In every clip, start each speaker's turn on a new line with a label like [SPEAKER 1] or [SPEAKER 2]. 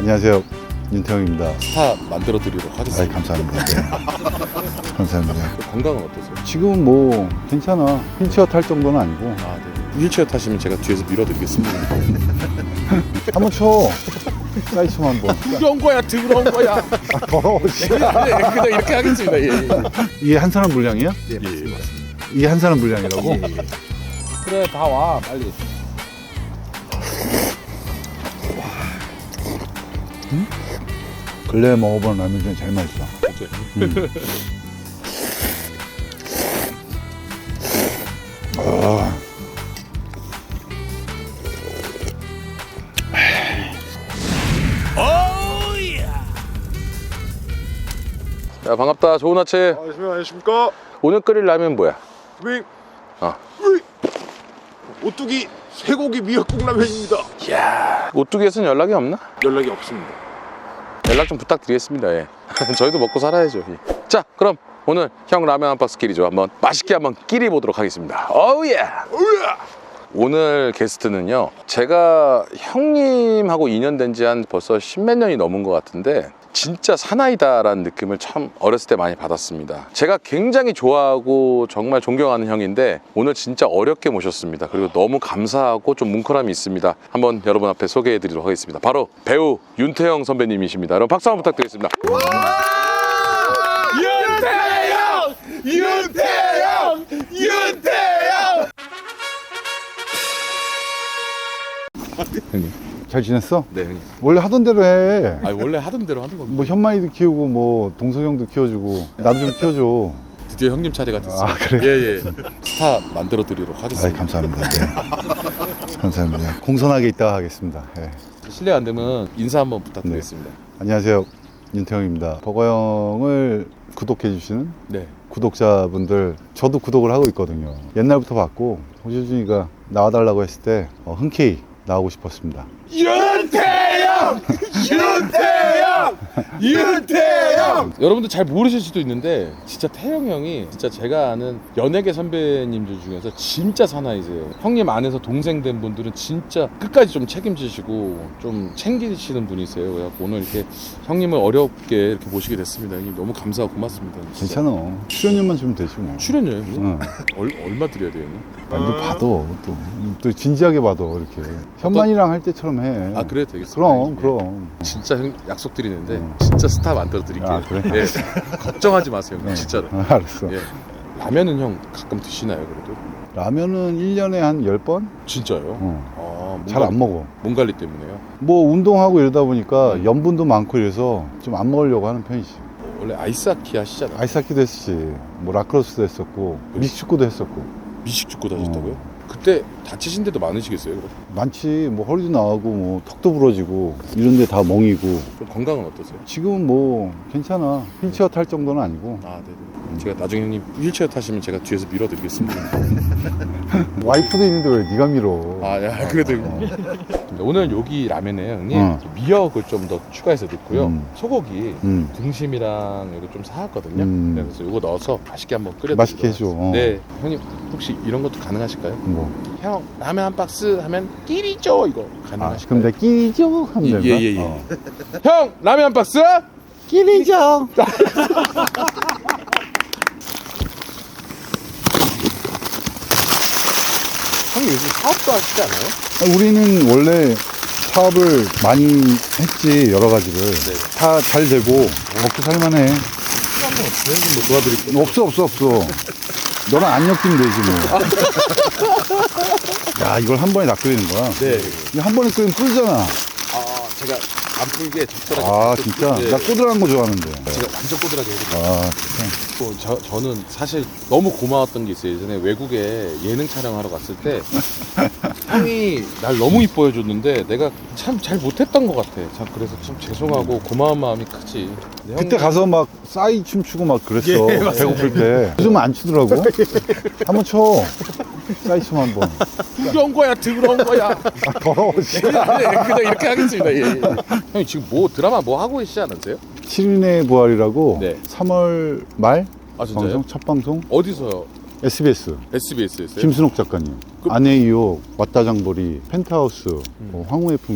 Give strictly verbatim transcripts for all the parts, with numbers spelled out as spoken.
[SPEAKER 1] 안녕하세요, 윤태형입니다.
[SPEAKER 2] 스타 만들어 드리도록 하겠습니다.
[SPEAKER 1] 아이, 감사합니다. 네. 감사합니다.
[SPEAKER 2] 건강은 어떠세요?
[SPEAKER 1] 지금은 뭐 괜찮아. 휠체어 탈 정도는 아니고.
[SPEAKER 2] 아, 네. 휠체어 타시면 제가 뒤에서 밀어드리겠습니다.
[SPEAKER 1] 한번 쳐. 사이즈 한번.
[SPEAKER 2] 더러운 거야, 더러운 거야.
[SPEAKER 1] 아, 더러워. 씨.
[SPEAKER 2] 네, 그냥 이렇게 하겠습니다. 예, 예.
[SPEAKER 1] 이게 한 사람 분량이야?
[SPEAKER 2] 예, 맞습니다.
[SPEAKER 1] 이게 한 사람 분량이라고?
[SPEAKER 2] 예, 예. 그래, 다 와, 빨리.
[SPEAKER 1] 응? 근래에 먹어본 라면 중에 제일 맛있어.
[SPEAKER 2] 그렇죠.
[SPEAKER 1] 음. 아.
[SPEAKER 2] 야, 반갑다. 좋은 아침.
[SPEAKER 3] 안녕하십니까.
[SPEAKER 2] 오늘 끓일 라면 뭐야?
[SPEAKER 3] 윙.
[SPEAKER 2] 어.
[SPEAKER 3] 윙. 오뚜기 쇠고기 미역국 라면입니다.
[SPEAKER 2] 이야, 오뚜기에서는 연락이 없나?
[SPEAKER 3] 연락이 없습니다.
[SPEAKER 2] 연락 좀 부탁드리겠습니다. 예. 저희도 먹고 살아야죠. 예. 자, 그럼 오늘 형 라면 한 박스 끼리죠. 한번 맛있게 한번 끼리 보도록 하겠습니다. 어우예.
[SPEAKER 3] 으아!
[SPEAKER 2] 오늘 게스트는요, 제가 형님하고 인연 된 지 한 벌써 십몇 년이 넘은 것 같은데 진짜 사나이다라는 느낌을 참 어렸을 때 많이 받았습니다. 제가 굉장히 좋아하고 정말 존경하는 형인데 오늘 진짜 어렵게 모셨습니다. 그리고 너무 감사하고 좀 뭉클함이 있습니다. 한번 여러분 앞에 소개해 드리도록 하겠습니다. 바로 배우 윤태형 선배님이십니다. 여러분 박수 한번 부탁드리겠습니다.
[SPEAKER 3] 윤태형! 윤태형! 윤태형!
[SPEAKER 2] 형님.
[SPEAKER 1] 잘 지냈어?
[SPEAKER 2] 네, 형님.
[SPEAKER 1] 원래 하던 대로 해.
[SPEAKER 2] 아, 원래 하던 대로 하는 겁니다.
[SPEAKER 1] 뭐 현만이도 키우고 뭐 동석형도 키워주고 나도 좀 키워줘.
[SPEAKER 2] 드디어 형님 차례가 됐습니다.
[SPEAKER 1] 아, 그래?
[SPEAKER 2] 예, 예. 스타 만들어 드리도록
[SPEAKER 1] 아이,
[SPEAKER 2] 하겠습니다.
[SPEAKER 1] 감사합니다. 네. 감사합니다. 공손하게 있다가 하겠습니다. 네.
[SPEAKER 2] 실례 안 되면 인사 한번 부탁드리겠습니다.
[SPEAKER 1] 안녕하세요, 윤태형입니다. 버거형을 구독해주시는
[SPEAKER 2] 네.
[SPEAKER 1] 구독자분들, 저도 구독을 하고 있거든요. 옛날부터 봤고 호주준이가 나와달라고 했을 때 어, 흔쾌히 나오고 싶었습니다.
[SPEAKER 3] 윤태형! 윤태형! 윤태형!
[SPEAKER 2] 여러분들 잘 모르실 수도 있는데 진짜 태형 형이 진짜 제가 아는 연예계 선배님들 중에서 진짜 사나이세요. 형님 안에서 동생 된 분들은 진짜 끝까지 좀 책임지시고 좀 챙기시는 분이세요. 그래서 오늘 이렇게 형님을 어렵게 이렇게 모시게 됐습니다. 형님 너무 감사하고 고맙습니다. 진짜.
[SPEAKER 1] 괜찮아. 출연료만 주면 되지 뭐.
[SPEAKER 2] 출연료요? 형님?
[SPEAKER 1] 응.
[SPEAKER 2] 얼, 얼마 드려야 돼요? 형님?
[SPEAKER 1] 많이 받아. 또, 또 진지하게 받아. 이렇게 현만이랑 할 때처럼 해.
[SPEAKER 2] 아, 그래도 되겠습니다.
[SPEAKER 1] 그럼
[SPEAKER 2] 형님.
[SPEAKER 1] 그럼.
[SPEAKER 2] 진짜 형 약속드리는데
[SPEAKER 1] 응.
[SPEAKER 2] 진짜 스타 만들어 드릴게요.
[SPEAKER 1] 아, 그래?
[SPEAKER 2] 예. 걱정하지 마세요. 형님.
[SPEAKER 1] 네.
[SPEAKER 2] 진짜로.
[SPEAKER 1] 아, 알았어.
[SPEAKER 2] 예. 라면은 형 가끔 드시나요, 그래도?
[SPEAKER 1] 라면은 일 년에 한 열 번?
[SPEAKER 2] 진짜요?
[SPEAKER 1] 어.
[SPEAKER 2] 아, 몸
[SPEAKER 1] 잘 안
[SPEAKER 2] 관리-
[SPEAKER 1] 먹어.
[SPEAKER 2] 몸 관리 때문에요?
[SPEAKER 1] 뭐 운동하고 이러다 보니까
[SPEAKER 2] 음.
[SPEAKER 1] 염분도 많고 이래서 좀 안 먹으려고 하는 편이지.
[SPEAKER 2] 원래 아이스하키 하시잖아요.
[SPEAKER 1] 아이스하키도 했었지. 뭐 라크로스도 했었고 미식축구도 했었고.
[SPEAKER 2] 미식축구 하셨다고요?
[SPEAKER 1] 어.
[SPEAKER 2] 그때 다치신 데도 많으시겠어요? 그럼?
[SPEAKER 1] 많지. 뭐 허리도 나가고 뭐 턱도 부러지고 이런 데 다 멍이고.
[SPEAKER 2] 좀 건강은 어떠세요?
[SPEAKER 1] 지금은 뭐 괜찮아. 휠체어 탈 정도는 아니고.
[SPEAKER 2] 아, 네네. 제가 나중에 형님 휠체어 타시면 제가 뒤에서 밀어드리겠습니다.
[SPEAKER 1] 와이프도 있는데 왜 네가 밀어?
[SPEAKER 2] 아, 야, 그래도 오늘 여기 라면에 형님
[SPEAKER 1] 어.
[SPEAKER 2] 미역을 좀 더 추가해서 넣고요.
[SPEAKER 1] 음.
[SPEAKER 2] 소고기
[SPEAKER 1] 음.
[SPEAKER 2] 등심이랑 이거 좀 사왔거든요.
[SPEAKER 1] 음.
[SPEAKER 2] 네, 그래서 이거 넣어서 맛있게 한번 끓여
[SPEAKER 1] 맛있게 해줘. 어.
[SPEAKER 2] 네, 형님 혹시 이런 것도 가능하실까요?
[SPEAKER 1] 뭐.
[SPEAKER 2] 형 라면 한 박스 하면 끼리죠 이거
[SPEAKER 1] 아,
[SPEAKER 2] 가능하실까요?
[SPEAKER 1] 그럼 내가 끼리죠? 하면
[SPEAKER 2] 예,
[SPEAKER 1] 되나?
[SPEAKER 2] 예, 예, 예.
[SPEAKER 1] 어.
[SPEAKER 2] 형 라면 한 박스?
[SPEAKER 1] 끼리죠?
[SPEAKER 2] 형님 요즘 사업도 하시지 않아요?
[SPEAKER 1] 아, 우리는 원래 사업을 많이 했지, 여러 가지를.
[SPEAKER 2] 네.
[SPEAKER 1] 다 잘 되고, 먹고 살만해.
[SPEAKER 2] 한번 없어요? 형님 뭐 도와드릴게요.
[SPEAKER 1] 없어, 없어, 없어. 너랑 안 엮이면 되지, 뭐. 야, 이걸 한 번에 다 끓이는 거야?
[SPEAKER 2] 네.
[SPEAKER 1] 이거 한 번에 끓이면 끓잖아.
[SPEAKER 2] 아, 제가 안 풀게 적절하게.
[SPEAKER 1] 아,
[SPEAKER 2] 좀-
[SPEAKER 1] 진짜?
[SPEAKER 2] 네.
[SPEAKER 1] 나 꼬들한 거 좋아하는데.
[SPEAKER 2] 제가 완전 꼬들하게 해드릴게요.
[SPEAKER 1] 아, 진짜.
[SPEAKER 2] 또 저, 저는 사실 너무 고마웠던 게 있어요. 예전에 외국에 예능 촬영하러 갔을 때 형이 날 너무 이뻐해 줬는데 내가 참 잘 못했던 것 같아. 참 그래서 참 죄송하고 고마운 마음이 크지. 근데
[SPEAKER 1] 그때
[SPEAKER 2] 형님-
[SPEAKER 1] 가서 막 싸이 춤추고 막 그랬어.
[SPEAKER 2] 예, 맞습니다.
[SPEAKER 1] 배고플 때. 요즘 안 추더라고. 한번 쳐. 싸이 춤 한 번.
[SPEAKER 2] 더러운 거야, 더러운 거야.
[SPEAKER 1] 아, 더러워, 씨.
[SPEAKER 2] 네, 그냥 이렇게 하겠습니다. 예, 예. 형님 지금 뭐 드라마 뭐 하고 계시지 않으세요?
[SPEAKER 1] 칠 인의 부활이라고
[SPEAKER 2] 네.
[SPEAKER 1] 삼월 말
[SPEAKER 2] 아, 진짜요?
[SPEAKER 1] 방송, 첫 방송
[SPEAKER 2] 어디서요?
[SPEAKER 1] 에스비에스
[SPEAKER 2] 에스비에스였어요?
[SPEAKER 1] 김순옥 작가님.
[SPEAKER 2] 그-
[SPEAKER 1] 아내의 유혹, 왔다 장보리, 펜트하우스, 뭐 황후의 품격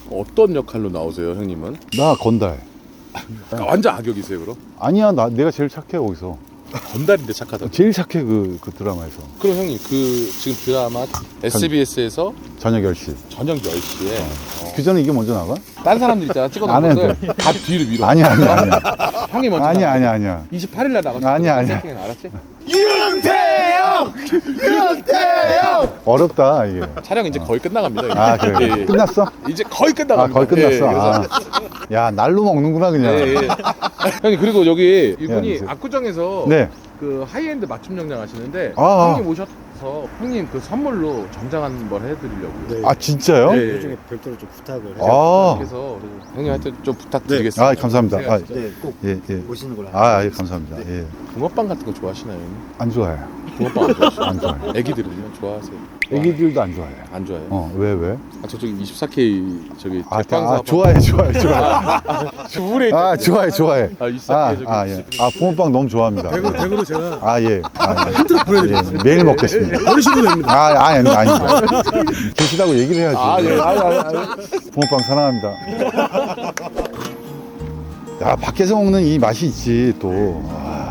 [SPEAKER 2] 어떤 역할로 나오세요, 형님은?
[SPEAKER 1] 나 건달.
[SPEAKER 2] 아, 완전 악역이세요, 그럼?
[SPEAKER 1] 아니야, 나 내가 제일 착해 거기서.
[SPEAKER 2] 건달인데 착하다.
[SPEAKER 1] 제일 착해 그, 그 드라마에서.
[SPEAKER 2] 그럼 형님 그 지금 드라마 에스비에스에서
[SPEAKER 1] 저녁 열 시.
[SPEAKER 2] 저녁 열 시에
[SPEAKER 1] 그 전에 이게 먼저 나가?
[SPEAKER 2] 딴 사람들 있잖아 찍어놓은
[SPEAKER 1] 안 해도
[SPEAKER 2] 것을 다 뒤로 밀어.
[SPEAKER 1] 아니야, 아니야, 아니야.
[SPEAKER 2] 형이 먼저
[SPEAKER 1] 아니야,
[SPEAKER 2] 나가.
[SPEAKER 1] 아니야, 아니야.
[SPEAKER 2] 이십팔 일 날 나갔어.
[SPEAKER 1] 아니야, 아니야.
[SPEAKER 2] 알았지?
[SPEAKER 3] 윤태영! 윤태영!
[SPEAKER 1] 어렵다 이게.
[SPEAKER 2] 촬영 이제 거의 끝나갑니다.
[SPEAKER 1] 아 그래.
[SPEAKER 2] 예, 예.
[SPEAKER 1] 끝났어?
[SPEAKER 2] 이제 거의
[SPEAKER 1] 아
[SPEAKER 2] 끝나갑니다.
[SPEAKER 1] 거의 끝났어.
[SPEAKER 2] 예, 그래서
[SPEAKER 1] 아. 야 날로 먹는구나 그냥.
[SPEAKER 2] 예, 예. 형님 그리고 여기 이분이
[SPEAKER 1] 이제.
[SPEAKER 2] 압구정에서
[SPEAKER 1] 네.
[SPEAKER 2] 그 하이엔드 맞춤 영양 하시는데
[SPEAKER 1] 아, 아.
[SPEAKER 2] 형님 오셔서 형님 그 선물로 정장한 걸 해드리려고요.
[SPEAKER 3] 네.
[SPEAKER 1] 아 진짜요?
[SPEAKER 2] 네.
[SPEAKER 3] 나중에 별도로 좀 부탁을 해서
[SPEAKER 1] 아.
[SPEAKER 2] 그래서 형님 하여튼 좀 부탁드리겠습니다.
[SPEAKER 1] 아 감사합니다. 아,
[SPEAKER 3] 네, 꼭
[SPEAKER 1] 예 예.
[SPEAKER 3] 오시는 걸로
[SPEAKER 1] 아 예, 감사합니다. 예.
[SPEAKER 2] 붕어빵 같은 거 좋아하시나요, 형님?
[SPEAKER 1] 안 좋아해.
[SPEAKER 2] 붕어빵 안 좋아하시나요?
[SPEAKER 1] 안 좋아해.
[SPEAKER 2] 애기들은요? 좋아하세요?
[SPEAKER 1] 애기들도 안 좋아해.
[SPEAKER 2] 안 좋아해요?
[SPEAKER 1] 어 왜 왜?
[SPEAKER 2] 아 저쪽에 이십사 케이 저기
[SPEAKER 1] 아,
[SPEAKER 2] 제빵
[SPEAKER 1] 아
[SPEAKER 2] 사업
[SPEAKER 1] 좋아해 좋아해 좋아해.
[SPEAKER 2] 주부레
[SPEAKER 1] 아 좋아해 좋아해.
[SPEAKER 2] 아 이십사 케이 저기
[SPEAKER 1] 아, 아, 예. 아, 붕어빵 너무 좋아합니다.
[SPEAKER 3] 대구, 대구로 제가
[SPEAKER 1] 아, 예. 아, 예.
[SPEAKER 3] 보내드리겠습니다.
[SPEAKER 1] 예, 매일 먹겠습니다.
[SPEAKER 3] 버리셔도 됩니다.
[SPEAKER 1] 아, 아니, 아니, 아니. 계시다고 얘기를 해야지.
[SPEAKER 2] 아, 예. 아, 아, 아.
[SPEAKER 1] 붕어빵 사랑합니다. 야, 밖에서 먹는 이 맛이 있지, 또. 아,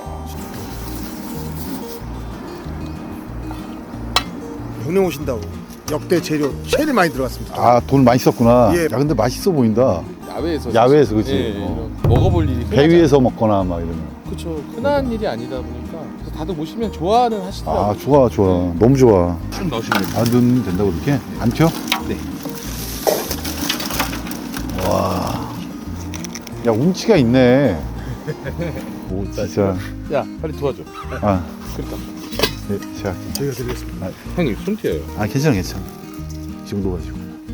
[SPEAKER 3] 형님 오신다고 역대 재료 제일 많이 들어갔습니다.
[SPEAKER 1] 아, 돈 많이 썼구나.
[SPEAKER 3] 예.
[SPEAKER 1] 야, 근데 맛있어 보인다.
[SPEAKER 2] 야외에서
[SPEAKER 1] 야외에서, 그치?
[SPEAKER 2] 예, 예.
[SPEAKER 1] 어.
[SPEAKER 2] 먹어볼 일이
[SPEAKER 1] 배 위에서 먹거나 막 이러면.
[SPEAKER 2] 그렇죠. 흔한 일이 아니다 보니까 그래서 다들 보시면 좋아는 하시더라고요.
[SPEAKER 1] 아, 좋아, 좋아. 너무 좋아.
[SPEAKER 2] 좀 넣으시면 됩니다.
[SPEAKER 1] 안 넣으면 된다고 그렇게? 안 튀어?
[SPEAKER 2] 네.
[SPEAKER 1] 와. 야, 운치가 있네. 오, 진짜.
[SPEAKER 2] 야 빨리 도와줘.
[SPEAKER 1] 아,
[SPEAKER 2] 그러니까
[SPEAKER 1] 네, 제가.
[SPEAKER 3] 저희가 드리겠습니다.
[SPEAKER 2] 형님 손 튀어요.
[SPEAKER 1] 아, 괜찮아, 괜찮아. 지금 녹아지고.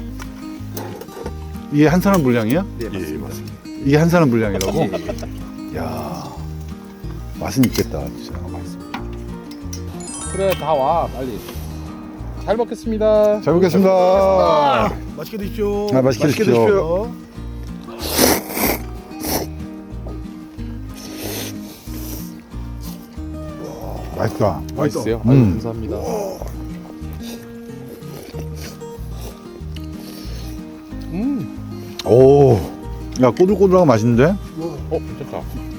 [SPEAKER 1] 이게 한 사람 분량이야?
[SPEAKER 3] 네, 맞습니다. 맞습니다.
[SPEAKER 1] 이게 한 사람 분량이라고? 야 맛은 있겠다, 진짜.
[SPEAKER 2] 그래 다 와 빨리. 잘 먹겠습니다.
[SPEAKER 1] 잘 먹겠습니다.
[SPEAKER 3] 맛있게 드십시오.
[SPEAKER 1] 아, 맛있게 드십시오. 맛있다.
[SPEAKER 2] 맛있어요?
[SPEAKER 1] 음.
[SPEAKER 2] 아유, 감사합니다. 음,
[SPEAKER 1] 오, 야 꼬들꼬들하고 맛있는데?
[SPEAKER 2] 어 괜찮다.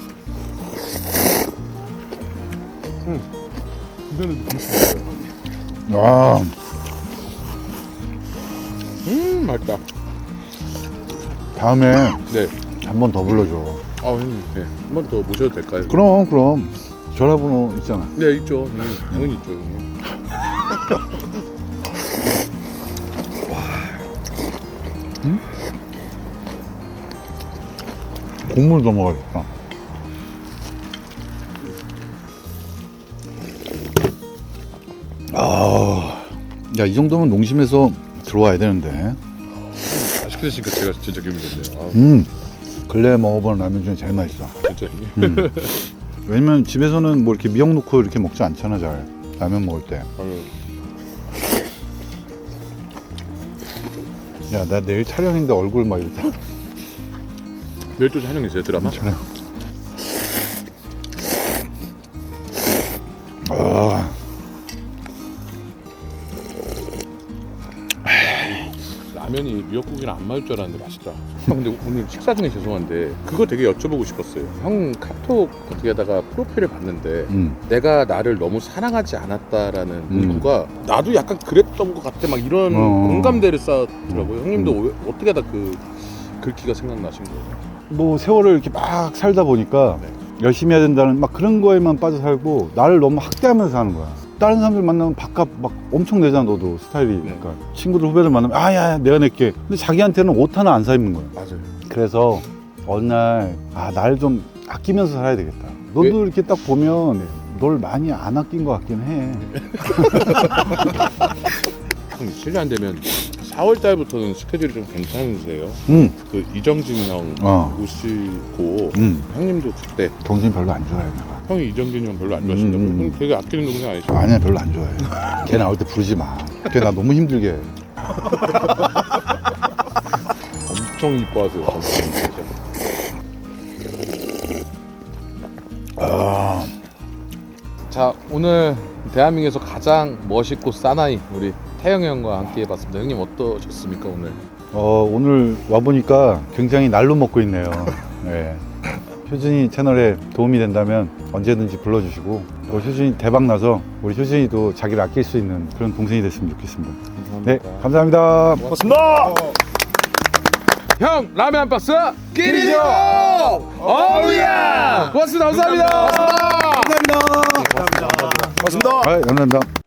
[SPEAKER 2] 음, 이거는
[SPEAKER 1] 아,
[SPEAKER 2] 음 맛있다.
[SPEAKER 1] 다음에
[SPEAKER 2] 네.
[SPEAKER 1] 한 번 더 불러줘.
[SPEAKER 2] 아 형님, 네. 한 번 더 모셔도 될까요?
[SPEAKER 1] 그럼, 그럼 전화번호 있잖아.
[SPEAKER 2] 네 있죠. 네, 당연히 있죠. 형님.
[SPEAKER 1] 국물 더 먹어야겠다. 아, 야, 이 정도면 농심에서 들어와야 되는데.
[SPEAKER 2] 맛있게 드시니까 제가 진짜 기분이 좋네요. 아,
[SPEAKER 1] 음, 근래 먹어본 라면 중에 제일 맛있어.
[SPEAKER 2] 진짜 형님.
[SPEAKER 1] 음. 왜냐면 집에서는 뭐 이렇게 미역 넣고 이렇게 먹지 않잖아, 잘. 라면 먹을 때.
[SPEAKER 2] 아유,
[SPEAKER 1] 야, 나 내일 촬영인데 얼굴 막 이렇게.
[SPEAKER 2] 내일 또 촬영이세요 드라마?
[SPEAKER 1] 촬영. 아,
[SPEAKER 2] 라면이 미역국이랑 안 맞을 줄 알았는데 맛있다. 형 근데 오늘 식사 중에 죄송한데 그거 되게 여쭤보고 싶었어요. 형 카톡 어떻게 하다가 프로필을 봤는데
[SPEAKER 1] 음.
[SPEAKER 2] 내가 나를 너무 사랑하지 않았다라는
[SPEAKER 1] 음.
[SPEAKER 2] 문구가 나도 약간 그랬던 것 같아 막 이런
[SPEAKER 1] 어.
[SPEAKER 2] 공감대를 쌓더라고요. 형님도
[SPEAKER 1] 음.
[SPEAKER 2] 왜- 어떻게 하다 그 글귀가 생각나신 거예요?
[SPEAKER 1] 뭐 세월을 이렇게 막 살다 보니까
[SPEAKER 2] 네.
[SPEAKER 1] 열심히 해야 된다는 막 그런 거에만 빠져 살고 나를 너무 학대하면서 사는 거야. 다른 사람들 만나면 밥값 막 엄청 내잖아, 너도 스타일이.
[SPEAKER 2] 네.
[SPEAKER 1] 그러니까 친구들 후배들 만나면 아야 내가 낼게. 근데 자기한테는 옷 하나 안 사 입는 거야.
[SPEAKER 2] 맞아요.
[SPEAKER 1] 그래서 어느 날 아 날 좀 아끼면서 살아야 되겠다. 너도 이렇게 딱 보면 널 많이 안 아낀 것 같긴 해.
[SPEAKER 2] 형 실례 안 되면 사월 달부터는 스케줄이 좀 괜찮으세요?
[SPEAKER 1] 응.
[SPEAKER 2] 그 이정진 형
[SPEAKER 1] 어.
[SPEAKER 2] 오시고
[SPEAKER 1] 응.
[SPEAKER 2] 형님도 그때
[SPEAKER 1] 정신 별로 안 좋아해 내가.
[SPEAKER 2] 형이 이정진 형 별로 안 좋아하신다고.
[SPEAKER 1] 음, 음.
[SPEAKER 2] 형 되게 아끼는 동생 아니시죠?
[SPEAKER 1] 아니야 별로 안 좋아해. 걔 나올 때 부르지 마. 걔 나 너무 힘들게 해.
[SPEAKER 2] 엄청 이뻐하세요. 진짜.
[SPEAKER 1] 아,
[SPEAKER 2] 자 오늘 대한민국에서 가장 멋있고 사나이 우리 태영이 형과 함께 해봤습니다. 형님 어떠셨습니까 오늘?
[SPEAKER 1] 어, 오늘 와보니까 굉장히 날로 먹고 있네요. 네. 효준이 채널에 도움이 된다면 언제든지 불러주시고 또 효준이 대박 나서 우리 효준이도 자기를 아낄 수 있는 그런 동생이 됐으면 좋겠습니다. 네, 감사합니다.
[SPEAKER 3] 고맙습니다.
[SPEAKER 2] 형 라면 한 박스 끼리죠. 어우야. 고맙습니다. 감사합니다.
[SPEAKER 3] 감사합니다. 감사합니다. 고맙습니다.
[SPEAKER 1] 아, 감사합니다.